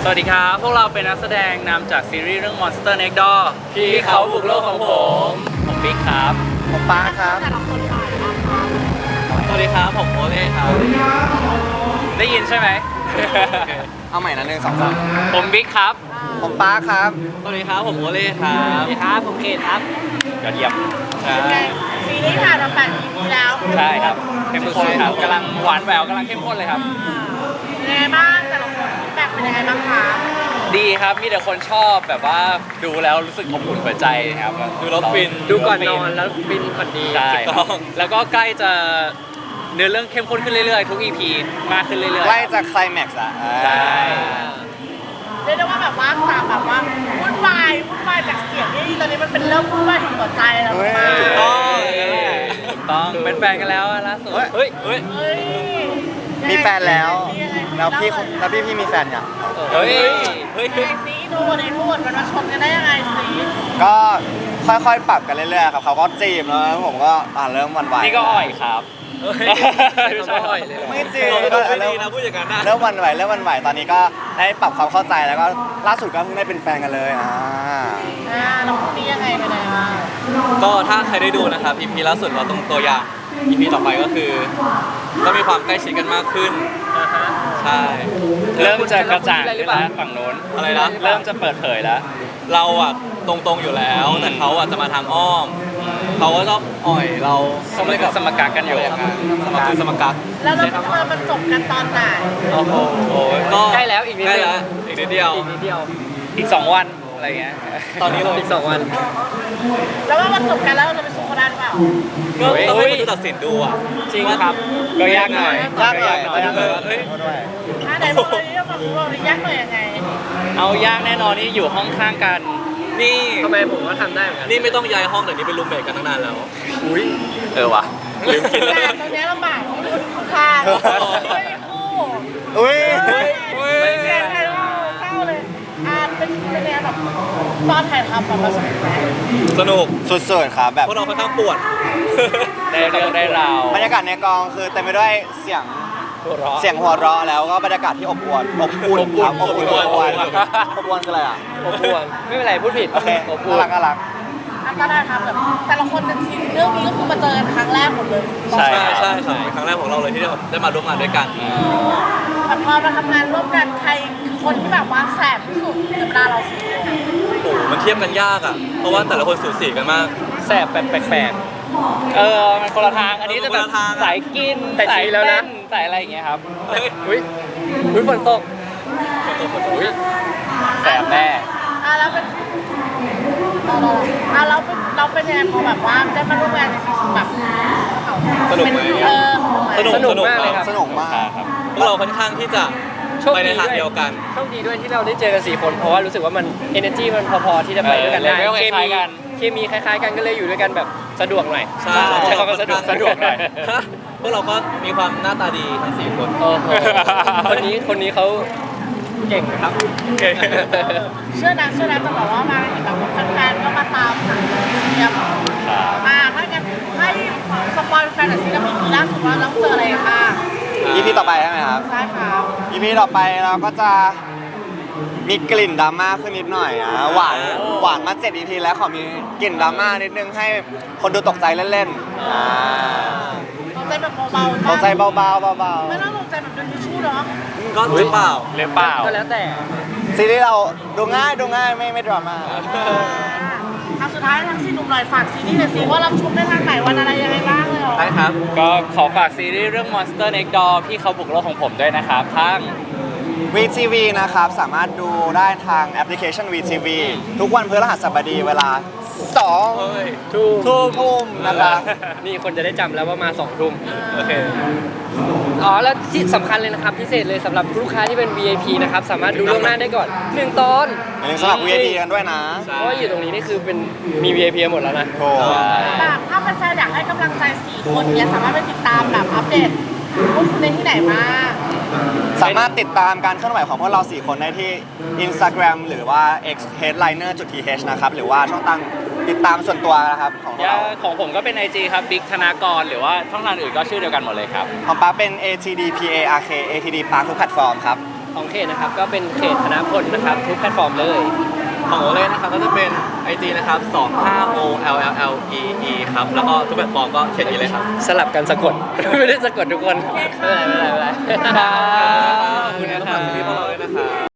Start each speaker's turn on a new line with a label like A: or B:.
A: วัสดีครับพวกเราเป็นนักแสดงนำจากซีรีส์เรื่อง Monster Next Door พี่เขาบุกโลกของผมบิ๊กครับ
B: ผมป้าครับ
C: แต่ละคนถ่ายนะคะ
A: สวัสดีครับผมโอเล่ครับได้ยินใช่ไหม
B: เอาใหม่นะ1 2 3
A: ผมบิ๊กครับ
B: ผมป้าครับ
A: สวัสดีครับผมโอเล่ครับสวัสดีครับผมเคนครับยอดเยี่ยม
C: ซีรีส์ถ่ายมา8 EP แล้ว
A: ใช่ครับเข้มข้นครับกำลังหวานแหววกำลังเข้มข้นเลยครับ
C: ยังไงบ้างแต่ละคนฟีดแบ็กเป็นยังไงบ้างคะ
A: ดีครับมีแต่คนชอบแบบว่าดูแล้วรู้สึกอบอุ่นหัวใจครับดูแล้วฟิน
D: ดูก่อนนอนแล้วฟินก่อนดี
A: ใช่แล้วก็ใกล้จะเนื้อเรื่องเข้มข้นขึ้นเรื่อยๆทุก EP มากขึ้นเรื่อยๆ
B: ใกล้จะไคลแม็กซ์อะ
A: ใช่
C: เรียกได้ว่าแบบว่าตามแบบว่าวุ่นวายจากเสียงที่ตอนนี้มันเป็นเรื่องวุ่นวายของหัวใจแล้วมาก
A: ถูกต้องเป็นแฟนกันแล้วล่าสุดเฮ้ย
C: เฮ้ย
B: มีแฟนแล้ว
C: ยังไง
B: แล้วพี่มีแฟนยัง
A: เฮ้ย
C: ยังไงซีดูในพูดมันมาชนกันได้ยังไงซี
B: ก็ค่อยๆปรับกันเรื่อยๆครับเขาก็จีบแล้วผมก็เริ่มหวั่นไหว
A: นี่ก็อ่อยครับไม่ใช่อ่อยเลย
B: ไม่จริง
A: ไม่ดีนะพูดอย่างนั้นนะ
B: เริ่มหวั่นไหวตอนนี้ก็ได้ปรับความเข้าใจแล้วก็ล่าสุดก็เพิ่งได้เป็นแฟนกันเลย
C: เราคู่นี้ยังไงไปไหนบ้าง
E: ก็ถ้าใครได้ดูนะครับ EP ล่าสุดเราต้องตัวอย่าง EP ต่อไปก็คือก็มีความใกล้ชิดกันมากขึ้นใช่
A: เริ่มจะกระจ่างขึ้นแล้วฝั่งโน้น
E: อะไรนะ
A: เริ่มจะเปิดเผยแล้ว
E: เราอะตรงๆอยู่แล้ว แต่เขาอะจะมาทางอ้อมเขาก็ชอบอ่อยเรา
A: เขาไม่กับสมการกันอยู่
E: สมกัก
C: แล้วเราจะมาบรรจบกันตอนไหน
E: โอ้โหก็
D: ใกล้แล้วอีกนิด
E: ใกล้
D: เดียว
E: แล้วอีกนิดเดียว
D: อีกนิดเดียว
A: อีก2 วันอะไรเงี้ย
E: ตอนนี้เรา
D: อีก2 วัน
C: แล้วว่าบรรจบกันแล้วเราจะไปสู้กันได้หรือเปล่า
E: ก็ต้องให้คนดูตัดสินดูอะ
A: จริงครับก็ยากหน่อย
B: ยากหน่อย
E: จะดูแบบว่าเฮ้ย
C: ไหนบอกเลยว่าฝั่งเรายากหน่อยยังไง
A: เอายากแน่นอนนี่อยู่ห้องข้างกัน
E: นี่
D: ทำไมผมก็ทำได้เหมือนกัน
E: นี่ไม่ต้องย้ายห้องแต่นี่เป็นรูมเมทกันตั้งนานแล้ว
A: ว่ะ
E: ลืมคิด
C: แต่
E: แล้ว
C: ตรงนี้ลำบากที่คนข้างไม่มีคู่
B: อุ้ย
C: ไม่มีใครเข้าเลยเป็นแนวแบบตอนถ่ายทำแบบเราสนุกไหม
E: สนุก
B: สุดๆครับแบบ
E: พวกเราค่อนข้างปวด
A: ได้เรื่องได้ราว
B: บรรยากาศในกองคือเต็มไปด้วยเสียงหัวเราะแล้วก็บรรยากาศที่อบอุ่นครับอบอุ่นคืออะไรอ่ะ
D: อบอวลไม่เป็นไรพูดผิด
B: โอเค
D: อบอวล
B: น่ารัก
C: ตอนถ่ายทำแบบแต่ละคนในทีมเรื่องนี้ก็คือมาเจอกันครั้งแรกหมดเลย
A: ใช่
E: ใช่ครั้งแรกของเราเลยที่ได้มาร่วมงานด้วยกัน
C: แต่พอมาทำงานร่วมกันใครคือคนที่แบบว่าแสบที่สุดในเวลาเราซีรีส์
E: โอ้โหมันเทียบกันยากอ่ะ เพราะว่าแต่ละคนสูสีกันมาก
D: แสบแปลก
A: มันคนละทางอันนี้จะแบบ
E: คนละทางอะ
A: สายกิน
D: แต่
A: สาย
D: ชี้แล้วนะ
A: เต้นสายอะไรอย่างเงี้ยครับ
E: เฮ้ย
D: ๆอุ้ยฝนตก
E: อุ้ย
A: แสบแน่
C: แล้วเป็นเราเป็นยังไงพอแบบว่าได้มาร่วมงานในซีซั่นแบบ
E: สนุกไหม
D: สนุกมากเลยครับ
B: สนุกมาก
A: ครับ
E: พวกเราค่อนข้างที่จะ
D: โชค
E: ไปใน
D: ดี
E: ทาง
D: ด้วย
E: เดียวกัน
D: โชคดีด้วยที่เราได้เจอกัน4 คนเพราะว่ารู้สึกว่ามัน energy มันพอๆที่จะไปด้วยกันได้
A: level คล้ายๆกัน
D: เคมีคล้ายๆกันก็เลยอยู่ด้วยกันแบบสะดวกหน่อย
E: ใช่
D: ใช้คำว่าสะดวกหน่อย
E: พวกเราก็มีความหน้าตาดีทั้ง4 คน
D: โอ้โหคนนี้เขาเก่งนะครับ
C: เชื่อนะจะบอกว่ามาเห็นแบบแฟนๆก็มาตามหาเสียบถ้างั้นให้สปอยแฟนหน่อยสิแล้วมีล่าสุดว่าเราเจออะไรบ้าง
B: EP ต่อไปใช่ไหมครับ
C: ใช่ครับ
B: EP ต่อไปเราก็จะมีกลิ่นดราม่าขึ้นนิดหน่อยหวานมา7 EP แล้วขอมีกลิ่นดราม่านิดนึงให้คนดูตกใจเล่นๆ
C: ตกใจแบบเบาๆ
B: ตกใจเบาๆ
C: ไม่ต้องตกใจแบบโดนทิชชู่เนาะ
E: ก็หรือเปล่า
A: หรือเปล่า
D: ก็แล้วแต่
B: ซีรีส์เราดูง่ายไม่ดราม่า
C: สุดท้ายทั้ง4 หนุ่มหน่อยฝากซีรีส์หน่อยสิว่ารับชมได้ทางไหนวันอะไรยังไงบ้างเลยเหรอ
E: ได้ครับ
A: ก็ขอฝากซีรีส์เรื่อง Monster Next Door พี่เขาบุกโลกของผมด้วยนะครับทั้ง
B: VTV นะครับสามารถดูได้ทางแอปพลิเคชัน VTV ทุกวันพฤหัสบดีเวลา2 ทุ่มนะครับ
D: นี่คนจะได้จำแล้วว่ามา2 ทุ่มโอเคอ๋อแล้วที่สำคัญเลยนะครับพิเศษเลยสำหรับลูกค้าที่เป็น VIP นะครับสามารถดูล่วงหน้าได้ก่อน1 ตอน
B: อย่าลืมสมัคร VIP กันด้วยนะ
D: เพราะว่าอยู่ตรงนี้นี่คือเป็นมี VIP หมดแล้วนะ
B: โอ้
C: แบบถ้าแฟนๆอยากให้กำลังใจ4 คนเนี่ยสามารถไปติดตามแบบอัปเดตพวกคุณได้ที่ไหนบ้าง
B: สามารถติดตามการเคลื่อนไหวของพวกเรา 4 คนได้ที่ Instagram หรือว่า x_headliner.th นะครับหรือว่าช่องทางติดตามส่วนตัวนะครับของพวกเรา
A: ของผมก็เป็น IG ครับบิ๊กธนากรหรือว่าช่องทางอื่นก็ชื่อเดียวกันหมดเลยครับ
B: ของป้าเป็น ATD PARK ATD Park ทุกแพลตฟอร์มครับ
D: ของเขตนะครับก็เป็นเขตธนพลนะครับทุกแพลตฟอร์มเลย
E: ของโอเล่นะครับก็จะเป็น IG นะครับ25OLLEE ครับแล้วก็ทุกแพลตฟอร์มก็เช่นนี้เลยครับ
D: สลับกันสะกด ไม่ได้สะกดทุกคนไม่เป็นไรไม่เป็นไรไม่เป็นไร
E: ขอบคุณนะครับที่พวกเราด้วยนะครับ